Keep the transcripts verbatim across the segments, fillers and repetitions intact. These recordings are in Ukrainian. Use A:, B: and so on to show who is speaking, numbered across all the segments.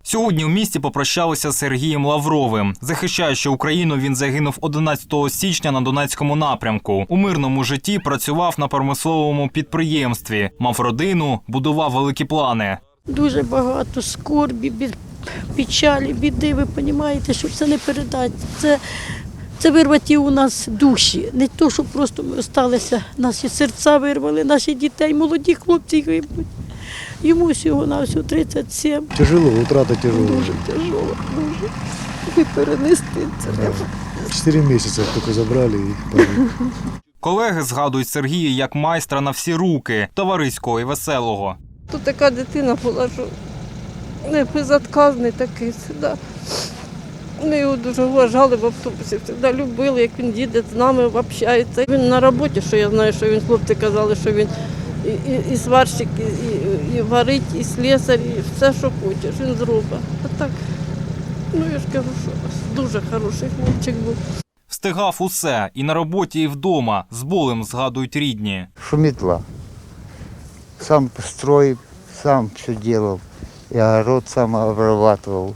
A: Сьогодні у місті попрощалися з Сергієм Лавровим. Захищаючи Україну, він загинув одинадцятого січня на Донецькому напрямку. У мирному житті працював на промисловому підприємстві, мав родину, будував великі плани.
B: Дуже багато скорбі, печалі, біди, ви розумієте, що це не передати. Це, це вирваті у нас душі. Не то, що просто ми залишилися, наші серця вирвали, наші дітей, молоді хлопці гибнуть. Йому всього на всього тридцять сім.
C: Тяжело, утрата тяжело.
B: Дуже тяжело, дуже. І перенести це треба.
C: Чотири місяці тільки забрали і погиб.
A: Колеги згадують Сергія як майстра на всі руки, товариського і веселого.
D: Тут така дитина була, що не безотказний такий завжди. Ми його дуже вважали в автобусі, завжди любили, як він їде з нами, общається. Він на роботі, що я знаю, що він, хлопці казали, що він і, і, і сварщик, і, і, і варить, і слесар, і все, що хочеш, він зробить. А так, ну я ж кажу, що дуже хороший хлопчик був.
A: Встигав усе – і на роботі, і вдома. З болем згадують рідні.
E: Шумітла. Сам строил, сам все делал. И огород сам обрабатывал.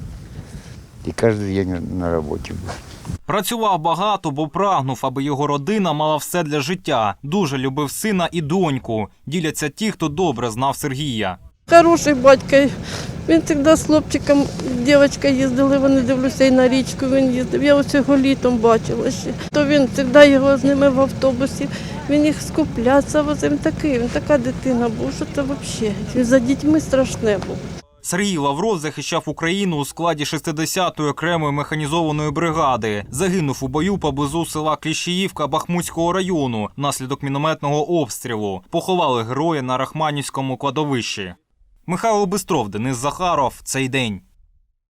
E: И каждый день на работе был.
A: Працював багато, бо прагнув, аби його родина мала все для життя. Дуже любив сина і доньку. Діляться ті, хто добре знав Сергія.
D: Хороший батько. Він завжди з хлопчиком, дівчинка їздили, вони дивлюся, і на річку він їздив. Я ось його літом бачила ще. То він завжди його з ними в автобусі, він їх скупляться, він такий, він така дитина був, що це взагалі. Він за дітьми страшне був.
A: Сергій Лавров захищав Україну у складі шістдесятої окремої механізованої бригади. Загинув у бою поблизу села Кліщіївка Бахмутського району внаслідок мінометного обстрілу. Поховали героя на Рахманівському кладовищі. Михайло Бистров, Денис Захаров. Цей день.